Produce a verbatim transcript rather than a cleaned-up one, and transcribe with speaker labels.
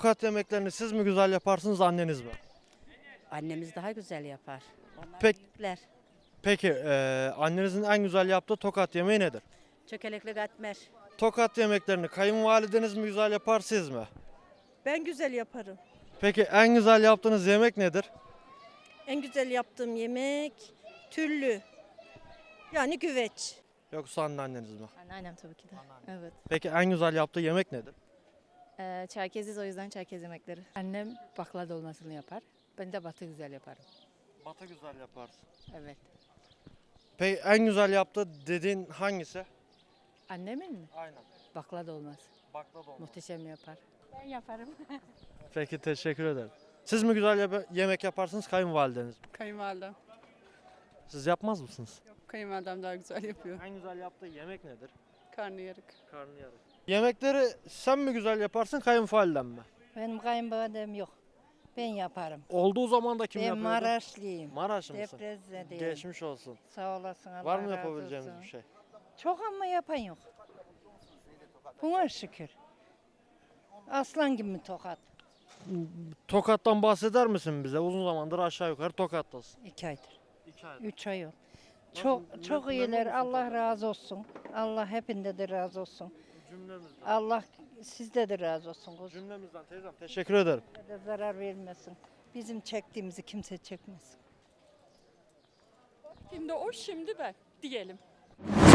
Speaker 1: tokat yemeklerini siz mi güzel yaparsınız, anneniz mi?
Speaker 2: Annemiz daha güzel yapar. Onlar
Speaker 1: Pek-
Speaker 2: büyükler.
Speaker 1: Peki eee, annenizin en güzel yaptığı tokat yemeği nedir?
Speaker 2: Çökelekli katmer.
Speaker 1: Tokat yemeklerini kayınvalideniz mi güzel yapar, siz mi?
Speaker 3: Ben güzel yaparım.
Speaker 1: Peki en güzel yaptığınız yemek nedir?
Speaker 3: En güzel yaptığım yemek türlü. Yani güveç.
Speaker 1: Yoksa anneanneniz mi?
Speaker 4: Anneannem tabii ki de. Evet.
Speaker 1: Peki en güzel yaptığı yemek nedir?
Speaker 4: Ee, Çerkeziz, o yüzden Çerkez yemekleri.
Speaker 5: Annem baklava dolmasını yapar. Ben de batı güzel yaparım.
Speaker 1: Batı güzel yaparsın.
Speaker 5: Evet.
Speaker 1: Peki en güzel yaptığı dediğin hangisi?
Speaker 5: Annemin mi?
Speaker 1: Aynen.
Speaker 5: Baklava dolması.
Speaker 1: Baklava olmaz.
Speaker 5: Muhteşem yapar.
Speaker 2: Ben yaparım.
Speaker 1: Peki, teşekkür ederim. Siz mi güzel yap- yemek yaparsınız, kayınvalideniz mi?
Speaker 6: Kayınvalidem.
Speaker 1: Siz yapmaz mısınız?
Speaker 6: Kayınvalidem daha güzel yapıyor.
Speaker 1: En güzel yaptığı yemek nedir?
Speaker 6: Karnıyarık.
Speaker 1: Karnıyarık. Yemekleri sen mi güzel yaparsın, kayınvaliden mi?
Speaker 7: Benim kayınvalidem yok. Ben yaparım.
Speaker 1: Olduğu zaman da kim
Speaker 7: ben
Speaker 1: yapıyordu?
Speaker 7: Maraşlıyım.
Speaker 1: Maraş mısın?
Speaker 7: Deprezze'deyim.
Speaker 1: Geçmiş olsun.
Speaker 7: Sağ olasın. Allah
Speaker 1: Var mı
Speaker 7: razı
Speaker 1: yapabileceğimiz
Speaker 7: olsun.
Speaker 1: bir şey?
Speaker 7: Çok ama yapan yok. Buna şükür. Aslan gibi tokat.
Speaker 1: Tokat'tan bahseder misin bize? Uzun zamandır aşağı yukarı Tokat'tasın.
Speaker 7: İki aydır.
Speaker 1: İki ay.
Speaker 7: Üç ay oldu.
Speaker 1: Nasıl-
Speaker 7: Çok
Speaker 1: mem-
Speaker 7: çok
Speaker 1: memnun
Speaker 7: iyiler.
Speaker 1: musun
Speaker 7: Allah
Speaker 1: Tokat'tan?
Speaker 7: razı olsun. Allah hepinde de razı olsun.
Speaker 1: Cümlemizden.
Speaker 7: Allah sizde de razı olsun. Kuzum.
Speaker 1: Cümlemizden teyzem, teşekkür ederim.
Speaker 7: De zarar vermesin. Bizim çektiğimizi kimse çekmesin.
Speaker 8: Şimdi o, şimdi ben diyelim.